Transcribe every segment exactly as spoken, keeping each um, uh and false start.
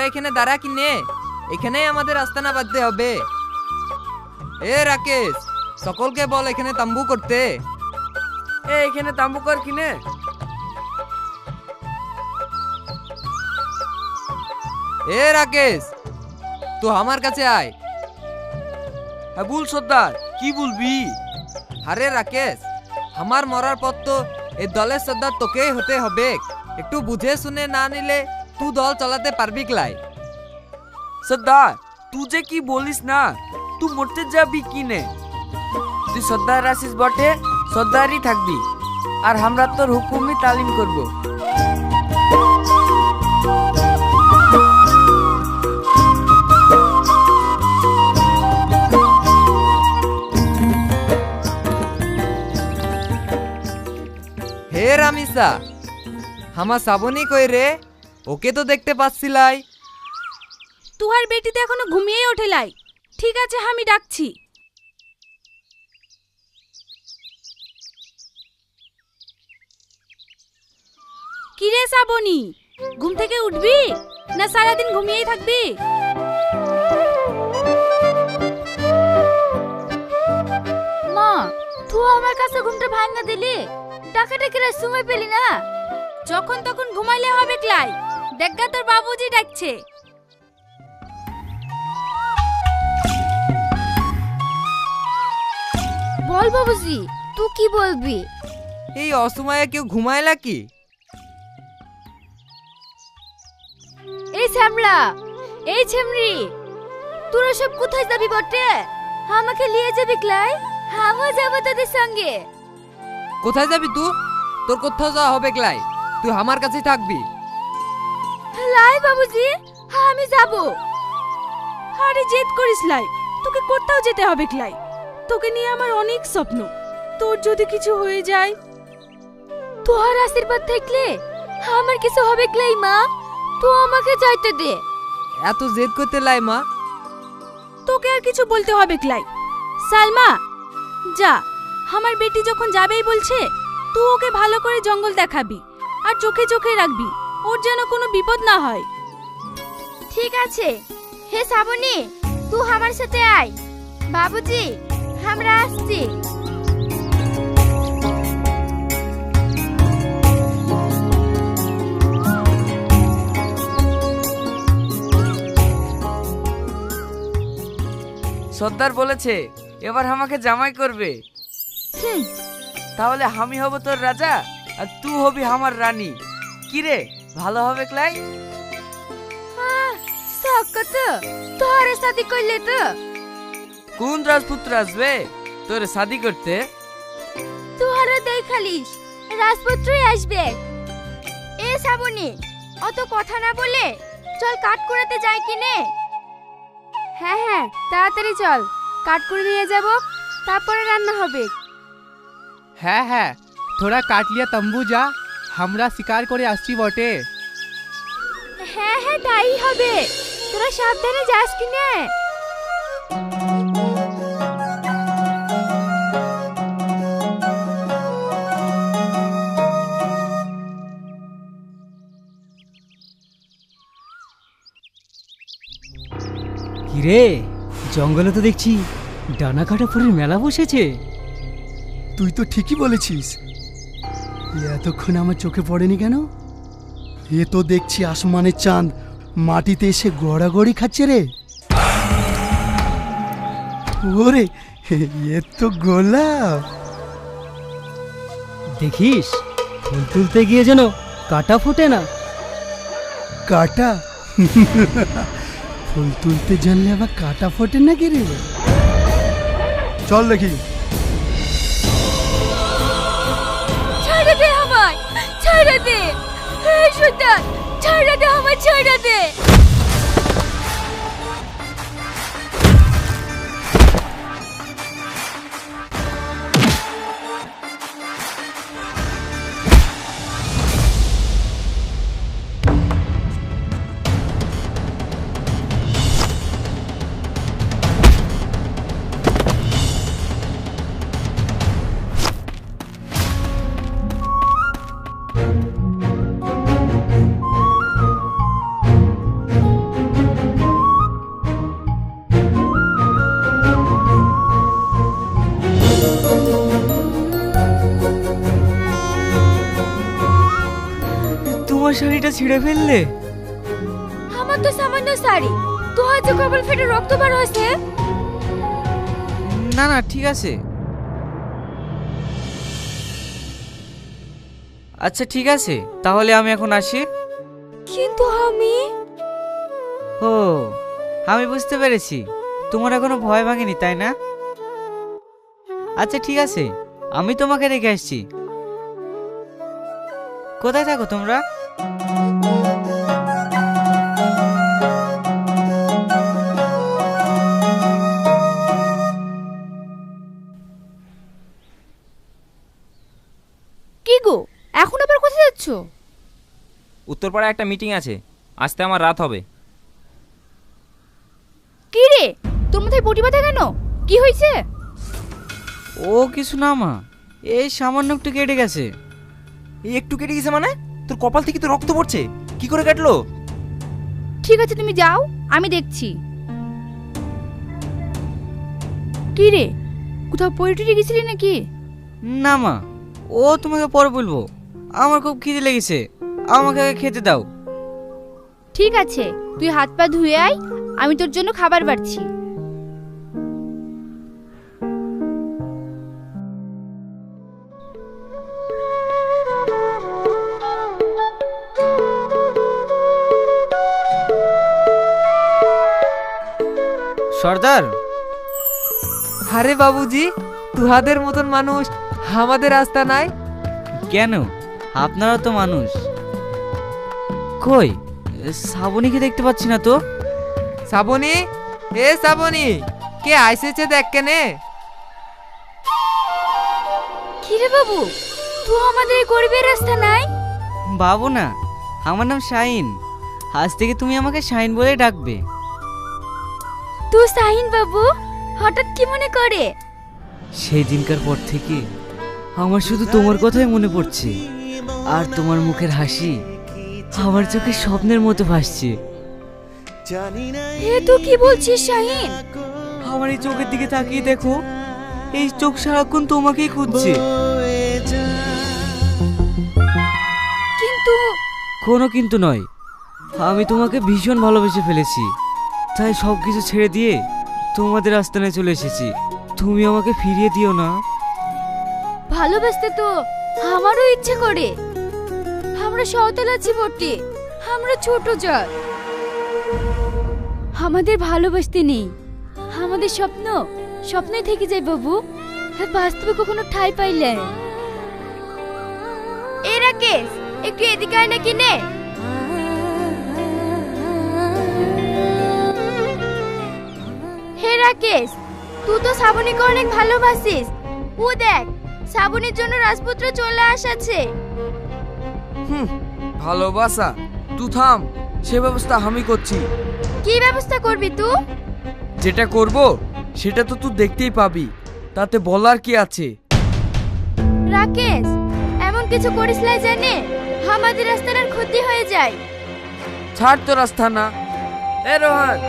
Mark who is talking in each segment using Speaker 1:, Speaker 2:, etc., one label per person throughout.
Speaker 1: এখানে দাঁড়া কিনে, এখানেই আমাদের আস্তানা বাঁধতে হবে। এ রাকেশ, সকলকে বল এখানে তাম্বু করতে।
Speaker 2: এ এখানে তাম্বু কর কিনে।
Speaker 1: এ রাকেশ, তুই আমার কাছে আয়।
Speaker 2: হ্যাঁ বল সর্দার, কি বলবি?
Speaker 1: আরে রাকেশ, আমার মরার পর তো এই দলের সর্দার তোকেই হতে হবে। একটু বুঝে শুনে না নিলে তুই দল চালাতে পারবি ক্লাই?
Speaker 2: সর্দার তুই যে কি বলিস না, তুই মরতে যাবি কিনে? তুই সর্দার আসিস বটে, সর্দারই থাকবি, আর আমরা তোর হুকুমই তালিম করব।
Speaker 1: হে রামিসা, আমার শ্রাবণী কই রে? ওকে তো দেখতে পাচ্ছিলাই।
Speaker 3: তুহার বেটি তো এখনো ঘুমিয়েই ওঠে লাই। ঠিক আছে, আমি ডাকছি। কিরে শ্রাবণী, ঘুম থেকে উঠবি না সারাদিন ঘুমিয়েই থাকবি? মা, তুই আমার কাছে ঘুমটা ভাঙা দিলি, ডাকাডাকির সময় পেলি না। যখন তখন ঘুমাইলে হবে ক্লাই, দেখা তোর বাবুজি ডাকছে। বল বাবুজি, তুই কি বলবি?
Speaker 1: এই অসময়ে কেউ ঘুমাইলা কি?
Speaker 3: এই শ্যামলা, এই ছেমরি, তোরা সব কোথায় যাবি বটে? আমাকে নিয়ে যাবি ক্লাই? আমিও যাবো তোদের সঙ্গে।
Speaker 1: কোথায় যাবি তুই? তোর কোথাও যাওয়া হবে ক্লাই, তুই আমার কাছেই থাকবি।
Speaker 3: লাই বাবুজি, আমি যাব। আরে জেদ করিস লাই, তোকে কোথাও যেতে হবে ক্লাই। তোকে নিয়ে আমার অনেক স্বপ্ন, তোর যদি কিছু হয়ে যায়। তোর আশীর্বাদ থাকলে আমার কিছু হবে ক্লাই। মা, তুই আমাকে যাইতে দে।
Speaker 1: এত জেদ করতে লাই মা?
Speaker 3: তোকে আর কিছু বলতে হবে ক্লাই। সালমা, যা, আমার বেটি যখন যাবেই বলছে, তুই ওকে ভালো করে জঙ্গল দেখাবি আর চোখে চোখে রাখবি, ওর যেন কোনো বিপদ না হয়। ঠিক আছে। হে শ্রাবণী, তুই আমার সাথে আয়। বাবুজি, আমরা আসছি।
Speaker 2: সর্দার বলেছে এবার আমাকে জামাই করবে। তাহলে আমি হব তোর রাজা আর তুই হবি আমার রানী। কি রে, ভালো হবে ক্লাই?
Speaker 3: সকত তোরে শাদি করলে তো
Speaker 2: কোন রাজপুত্র আসবে তোরে শাদি করতে?
Speaker 3: তোরা দেখালিস রাজপুত্রই আসবে। এ শ্রাবণী, অত কথা না বলে চল কাট করাতে যাই কিনে। হ্যাঁ হ্যাঁ, তাড়াতাড়ি চল, কাট করে নিয়ে যাব, তারপরে রান্না হবে।
Speaker 4: হ্যাঁ হ্যাঁ, থোড়া কাট লিয়া তম্বু যা, আমরা শিকার করে আসছি বটে।
Speaker 3: হ্যাঁ হ্যাঁ, তাই হবে। তোরা সাবধানে যাস কিনে।
Speaker 5: কিরে, জঙ্গলে তো দেখছি ডানা কাটা ফুলের মেলা বসেছে।
Speaker 6: তুই তো ঠিকই বলেছিস, এতক্ষণ আমার চোখে পড়েনি কেন? এ তো দেখছি আসমানের চাঁদ মাটিতে এসে গড়াগড়ি খাচ্ছে রে। ওরে, এ তো গোলাপ।
Speaker 5: দেখিস, ফুল তুলতে গিয়ে যেন কাটা ফোটে না।
Speaker 6: কাটা? ফুল তুলতে জানলে আবার কাটা ফোটে নাকি রে? চল দেখি।
Speaker 3: ছেড়ে দে আমায়, ছেড়ে দে। হে সুলতান, ছেড়ে দে আমায়, ছেড়ে দে।
Speaker 2: আমার শাড়িটা ছিঁড়ে ফেললে?
Speaker 3: আমার তো সামান্য শাড়ি, তো হয়তো কপাল ফেটে রক্ত বার হয়েছে।
Speaker 2: না না ঠিক আছে। আচ্ছা ঠিক আছে, তাহলে আমি এখন আসি।
Speaker 3: কিন্তু আমি
Speaker 2: ও, আমি বুঝতে পেরেছি, তোমার এখনো ভয় ভাঙেনি তাই না? আচ্ছা ঠিক আছে, আমি তোমাকে রেখে আসছি। কোথায় থাকো তোমরা?
Speaker 3: কি গো, এখন আবার কোথায় যাচ্ছ?
Speaker 7: উত্তরপাড়ায় একটা মিটিং আছে, আসতে আমার রাত হবে।
Speaker 3: কি রে, তোর মাথায় পটি বাঁধা কেন? কি হয়েছে?
Speaker 2: ও কিছু না মা, এই সামান্য একটু কেটে গেছে।
Speaker 7: এই একটু কেটে গেছে মানে? তোর কপাল থেকে তো রক্ত পড়ছে, কি করে কাটলো?
Speaker 3: ঠিক আছে তুমি যাও, আমি দেখছি। কি রে, কোথাও পড়ে টুটে গেছিলি নাকি?
Speaker 2: না মা, ও তোমাকে পরে বলবো। আমার খুব খিদে লেগেছে, আমাকে আগে খেতে দাও।
Speaker 3: ঠিক আছে, তুই হাত পা ধুয়ে আয়, আমি তোর জন্য খাবার বাড়ছি।
Speaker 2: সর্দার,
Speaker 1: আরে বাবুজি, তুহাদের মতন মানুষ আমাদের রাস্তা নাই?
Speaker 2: কেন, আপনারা তো মানুষ। কই শ্রাবণীকে দেখতে পাচ্ছি না তো?
Speaker 1: শ্রাবণী, এ শ্রাবণী, কে আইসেছে দেখ কেনে।
Speaker 3: কি রে বাবু, তুই আমাদের এই গরিবের রাস্তা নাই?
Speaker 2: বাবু না, আমার নাম শাহিন। আজ থেকে তুমি আমাকে শাহিন বলে ডাকবে।
Speaker 3: তুই শাহিন বাবু, হঠাৎ কি মনে করে?
Speaker 2: সেই দিনকার পর থেকে আমার শুধু তোমার কথাই মনে পড়ছে, আর তোমার মুখের হাসি আমার চোখে স্বপ্নের মতো ভাসছে।
Speaker 3: হে তুই কি বলছিস শাহিন?
Speaker 2: আমার এই চোখের দিকে তাকিয়ে দেখো, এই চোখ সারাক্ষণ তোমাকেই খুঁজছে।
Speaker 3: কিন্তু
Speaker 2: কোনো কিন্তু নয়, আমি তোমাকে ভীষণ ভালোবেসে ফেলেছি, তাই সব কিছু ছেড়ে দিয়ে তোমাদের আস্তানায় চলে এসেছি। তুমি আমাকে ফিরিয়ে দিও না।
Speaker 3: ভালোবাসতে তো আমারও ইচ্ছে করে। আমরা সওতাল আছি বটে, আমরা ছোট জাত, আমাদের ভালোবাসতে নেই। আমাদের স্বপ্ন স্বপ্নই থেকে যায় বাবু, বাস্তবে কখনো ঠাঁই পাইলে। এ রাকেশ, একটু এদিকে আয় না কিনে। হে রাকেশ, তুই তো শ্রাবণীকে অনেক ভালোবাসিস। ও দেখ, শ্রাবণীর জন্য রাজপুত্র চলে আসাছে।
Speaker 2: হুম, ভালোবাসা? তুই থাম, সে ব্যবস্থা আমি করছি।
Speaker 3: কি ব্যবস্থা করবি তুই?
Speaker 2: যেটা করব সেটা তো তুই দেখতেই পাবি, তাতে বলার কি আছে?
Speaker 3: রাকেশ, এমন কিছু করিস না জানে আমাদের রাস্তার আর ক্ষতি হয়ে যায়।
Speaker 2: ছাড় তো রাস্তা না। এ রোহান,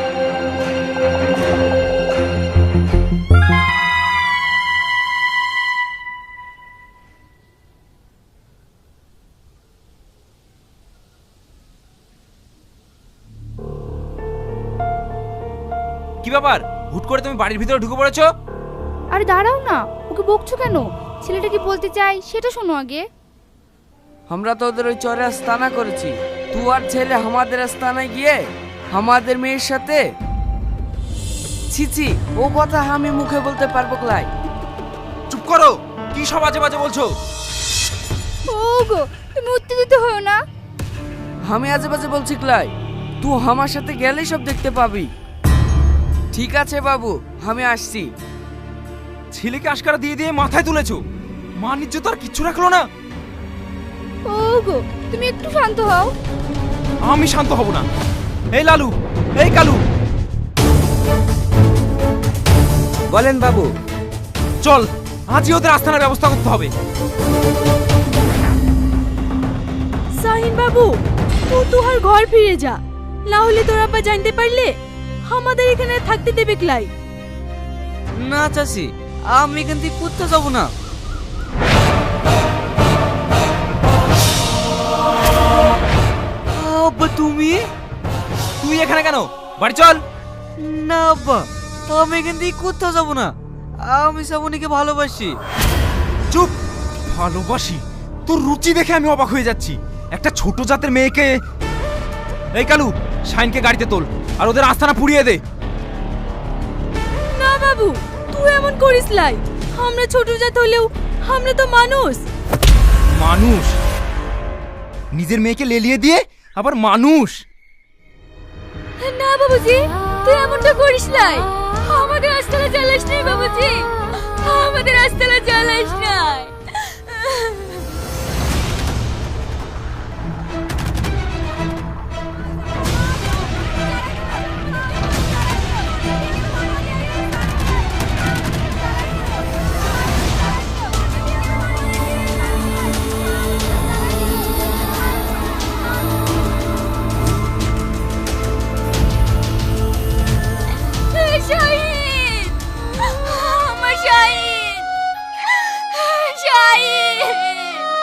Speaker 7: কি ব্যাপার, হুট করে তুমি বাড়ির ভিতরে ঢুকে পড়েছো?
Speaker 3: আরে দাঁড়াও না, ওকে বকছো কেন? ছেলেটা কি বলতে চাই সেটা শোনো আগে।
Speaker 2: আমরা তো ওদের ওই চরে আস্তানা করেছি, তুই আর ছেলে আমাদের আস্তানায় গিয়ে আমাদের মেয়ের সাথে। ছি ছি, ও কথা আমি মুখে বলতে পারবো ক্লাই?
Speaker 7: চুপ করো, কি সব আজে বাজে বলছো?
Speaker 3: ওগো, তুমি উত্তেজিত হও না।
Speaker 2: আমি আজে বাজে বলছি ক্লাই? তুই আমার সাথে গেলেই সব দেখতে পাবি। ঠিক আছে বাবু, আমি আসছি।
Speaker 7: ছেলেকে আশকারা দিয়ে দিয়ে মাথায় তুলেছো, মান ইজ্জত আর কিচ্ছু রাখলো না।
Speaker 3: ওগো, তুমি একটু শান্ত হও।
Speaker 7: আমি শান্ত হব না। এই লালু, এই কালু,
Speaker 2: বলেন বাবু।
Speaker 7: চল, আজই ওদের আস্থানার ব্যবস্থা করতে হবে।
Speaker 3: শাহিন বাবু, তুই তোহার ঘর ফিরে যা, না হলে তোর আব্বা জানতে পারলে আমাদের এখানে থাকতে দেবে ক্লাই।
Speaker 2: না চাচি, আমি এখান থেকে কোথাও যাবো না।
Speaker 7: বাড়ি চল।
Speaker 2: না আব্বা, আমি এখান থেকে কোথাও যাবো না। আমি শ্রাবণীকে ভালোবাসি।
Speaker 7: চুপ। ভালোবাসি? তোর রুচি দেখে আমি অবাক হয়ে যাচ্ছি। একটা ছোট জাতের মেয়েকে। এই কালু, শাইনকে গাড়িতে তোল আর ওদের আস্তানা পুড়িয়ে দে।
Speaker 3: না বাবু, তুই এমন করিস লাই। আমরা ছোট জাত হলেও আমরা তো মানুষ।
Speaker 7: মানুষ? নিজের মেয়েকে লেলিয়ে দিয়ে আবার মানুষ?
Speaker 3: না বাবুজি, তুই এমনটা করিস লাই। আমাদের আস্তানা জ্বালাস নাই বাবুজি, আমাদের আস্তানা জ্বালাস নাই। শাহিন, আমার শাহিন, শাহিন।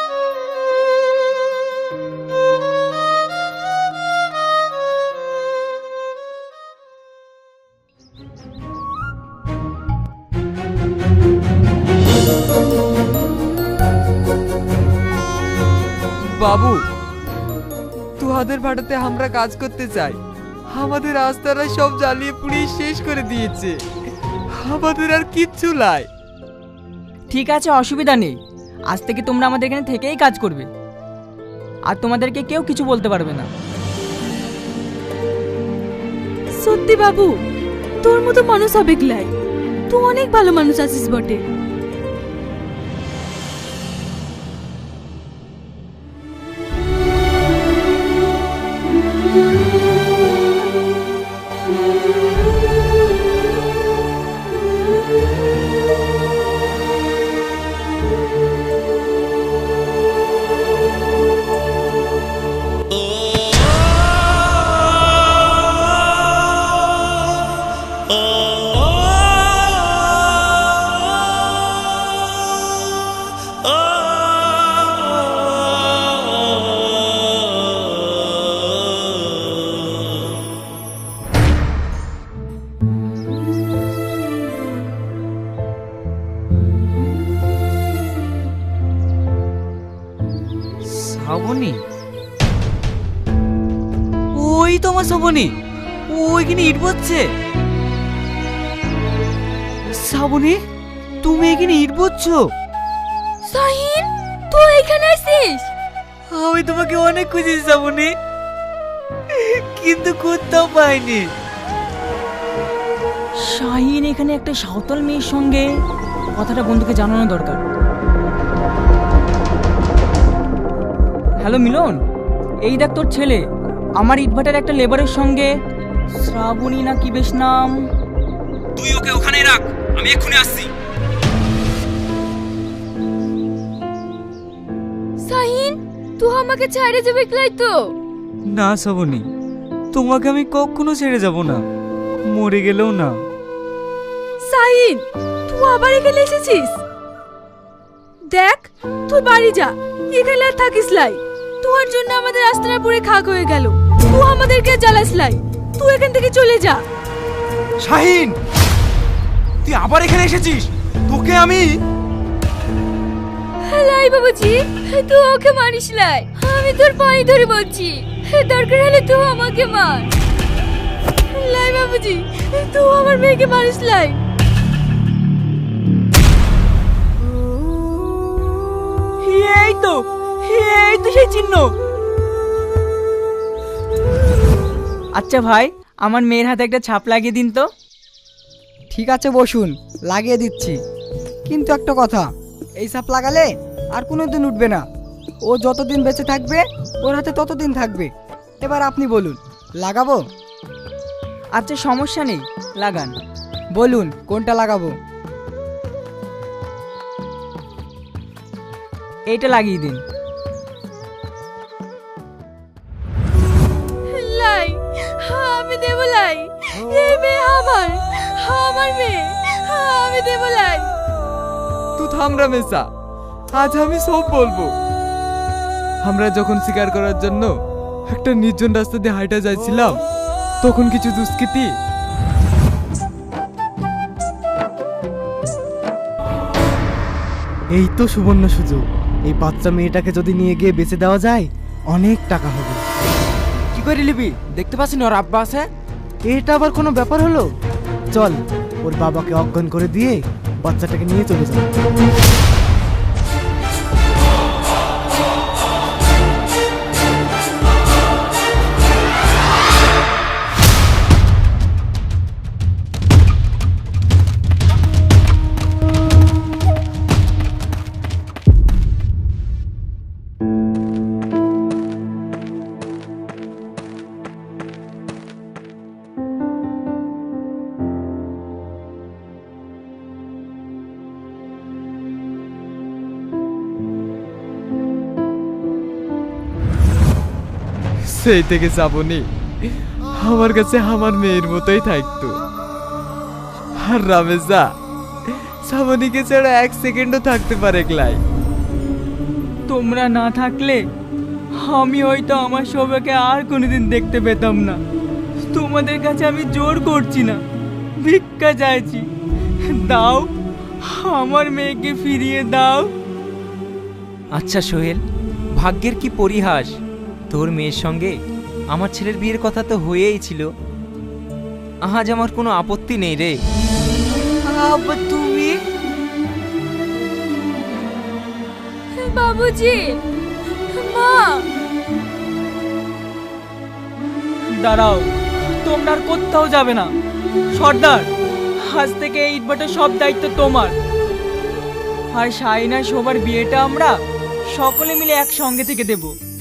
Speaker 1: বাবু, তুহাদের ভাড়াতে আমরা কাজ করতে চাই। আমাদের আস্তারা সব জ্বালিয়ে পুড়িয়ে শেষ করে দিয়েছে। আমাদের আর কিচ্ছু নাই।
Speaker 8: ঠিক আছে, অসুবিধা নেই। আজ থেকে তোমরা আমাদের এখানে থেকেই কাজ করবে, আর তোমাদেরকে কেউ কিছু বলতে পারবে না।
Speaker 3: সত্যি বাবু, তোর মতো মানুষ হবে গলাই। তুই অনেক ভালো মানুষ আছিস বটে।
Speaker 2: শ্রাবণী? ওই তো আমার শ্রাবণী, ওইখানে ইট বচ্ছে। শ্রাবণী, তুমি এখানে ইট বচ্ছো?
Speaker 3: শাহিন, তুই এখানে আছিস?
Speaker 2: আমি তোমাকে অনেক খুঁজেছি শ্রাবণী, কিন্তু কোথাও পাইনি।
Speaker 8: শাহিন এখানে একটা সাঁওতাল মেয়ের সঙ্গে কথাটা বন্ধুকে জানানো দরকার। হ্যালো মিলন, এই দেখ তোর ছেলে আমার ইটভাটার একটা লেবারের সঙ্গে, শ্রাবণী না কি বেশ নাম।
Speaker 7: তুই ওকে ওখানে রাখ, আমি এক্ষুনি আসছি।
Speaker 3: শাহিন, তুই আমাকে ছেড়ে যাবে গলাই তো?
Speaker 2: না শ্রাবণী, তোমাকে আমি কখনো ছেড়ে যাব না, মরে গেলেও না।
Speaker 3: শাহিন, তুই আবার এখানে এসেছিস? দেখ, তুই বাড়ি যা, এখানে আর থাকিস লাই। তোর জন্য আমাদের আস্তানা পুরে খাক হয়ে গেল। তুই আমাদেরকে জ্বালাস লাই। তুই এখান থেকে চলে যা।
Speaker 7: শাহিন, তুই আবার এখানে এসেছিস? তোকে আমি।
Speaker 3: লাই বাবুজি, তুই ওকে মারিস লাই। আমি তোর পায়ে ধরে বলছি, দরকার হলে তুই আমাকে মার। লাই বাবুজি, তুই আমার মেয়েকে মারিস লাই।
Speaker 8: এই তো, এই তো সেই চিহ্ন। আচ্ছা ভাই, আমার মেয়ের হাতে একটা ছাপ লাগিয়ে দিন তো।
Speaker 5: ঠিক আছে বসুন, লাগিয়ে দিচ্ছি। কিন্তু একটা কথা, এই সাপ লাগালে আর কোনো দিন উঠবে না। ও যতদিন বেঁচে থাকবে ওর হাতে ততদিন থাকবে। এবার আপনি বলুন, লাগাবো?
Speaker 8: আচ্ছা সমস্যা নেই, লাগান।
Speaker 5: বলুন কোনটা লাগাবো?
Speaker 8: এইটা লাগিয়ে দিন।
Speaker 3: লাই, আমি দেব লাই। এই মেয়ে আমার, আমার মেয়ে, আমি দেব লাই।
Speaker 1: তুই থাম রামেশা, আজ আমি সব বলবো। আমরা যখন শিকার করার জন্য একটা নির্জন রাস্তা দিয়ে হাইটা যাচ্ছিলাম, তখন কিছু দুষ্কৃতী
Speaker 9: এই তো সুবর্ণ সুযোগ। এই বাচ্চা মেয়েটাকে যদি নিয়ে গিয়ে বেঁচে দেওয়া যায় অনেক টাকা হবে।
Speaker 2: কি করে নিবি? দেখতে পাচ্ছি না ওর আব্বা আছে?
Speaker 9: এটা আবার কোনো ব্যাপার হলো? চল ওর বাবাকে অজ্ঞান করে দিয়ে বাচ্চাটাকে নিয়ে চলে যাও।
Speaker 1: সেই থেকে শ্রাবণী আমার কাছে আমার মেয়ের মতোই থাকতো। আর রামেশা শ্রাবণীকে ছাড়া এক সেকেন্ডও থাকতে পারে ক্লাই।
Speaker 8: তোমরা না থাকলে আমি হয়তো আমার সবাইকে আর কোনোদিন দেখতে পেতাম না। তোমাদের কাছে আমি জোর করছি না, ভিক্ষা চাইছি, দাও, আমার মেয়েকে ফিরিয়ে দাও।
Speaker 7: আচ্ছা সোহেল, ভাগ্যের কি পরিহাস, তোর মেয়ের সঙ্গে আমার ছেলের বিয়ের কথা তো হয়েই ছিল। আজ আমার কোনো আপত্তি নেই রে।
Speaker 2: আব্বা তুমি?
Speaker 3: বাবুজি, মা,
Speaker 8: দাঁড়াও, তোমরা আর কোথাও যাবে না। সর্দার, আজ থেকে এই ইটভাটার সব দায়িত্ব তোমার। আর শাহিনা সবার বিয়েটা আমরা সকলে মিলে একসঙ্গে থেকে দেবো।